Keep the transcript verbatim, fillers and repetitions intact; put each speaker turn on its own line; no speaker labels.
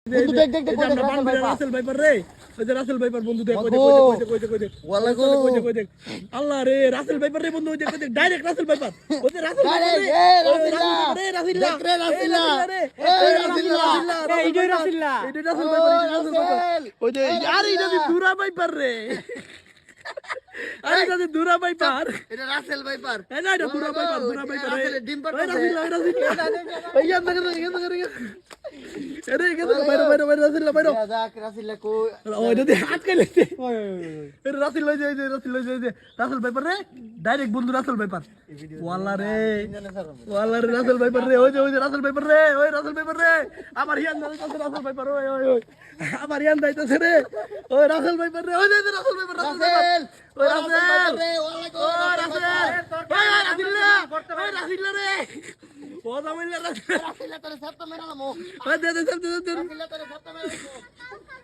বন্ধু দেখ দেখ দেখ রাসেল ভাইপার রে ওই যে রাসেল ভাইপার বন্ধু দেখ কই দেখ কই দেখ কই দেখ কই দেখ ওয়ালা কই দেখ কই দেখ আল্লাহ রে রাসেল ভাইপার রে বন্ধু ওই দেখ কই দেখ ডাইরেক্ট রাসেল ভাইপার ওই যে রাসেল ভাইপার রে রাসেল রে রাসেল দেখ রে রাসেল রে এই রাসেল এই যে রাসেল এই যে রাসেল ভাইপার রাসেল ভাইপার ওই যে আরে এটা দি দুরা ভাইপার রে আরে এটা দি দুরা ভাইপার
এটা রাসেল ভাইপার
এই না এটা দুরা ভাইপার দুরা ভাইপার
রাসেল ডিম পার
ওই রাসেল রাসেল এই ইয়ান দেখ দেখ দেখ আরে এখানে বাইরে বাইরে বাইরে রাসেল বাইরে
যাক রাসেল কই
ওই যদি আটকে লেছে ওই রাসেল লই যায় রাসেল লই যায় রাসেল ভাইপার রে ডাইরেক্ট বন্ধু রাসেল ভাইপার ওয়ালা রে ওয়ালা রে রাসেল ভাইপার রে ওই যে ওই যে রাসেল ভাইপার রে ওই রাসেল ভাইপার রে আমার ইয়ান দাইতাছে রাসেল ভাইপার ওই ওই ওই আমার ইয়ান দাইতাছে রে ওই রাসেল ভাইপার রে ওই যে রাসেল ভাইপার রাসেল ওই রাসেল রে ওয়ালা কো রাসেল ওই রাসেল রে ওই রাসেল রে ও দামিলা রাসেল
রাসেল তোরে সব তো মেনালামো
ওই দে দে দে দে
রাসেল তোরে সব তো মেনালামো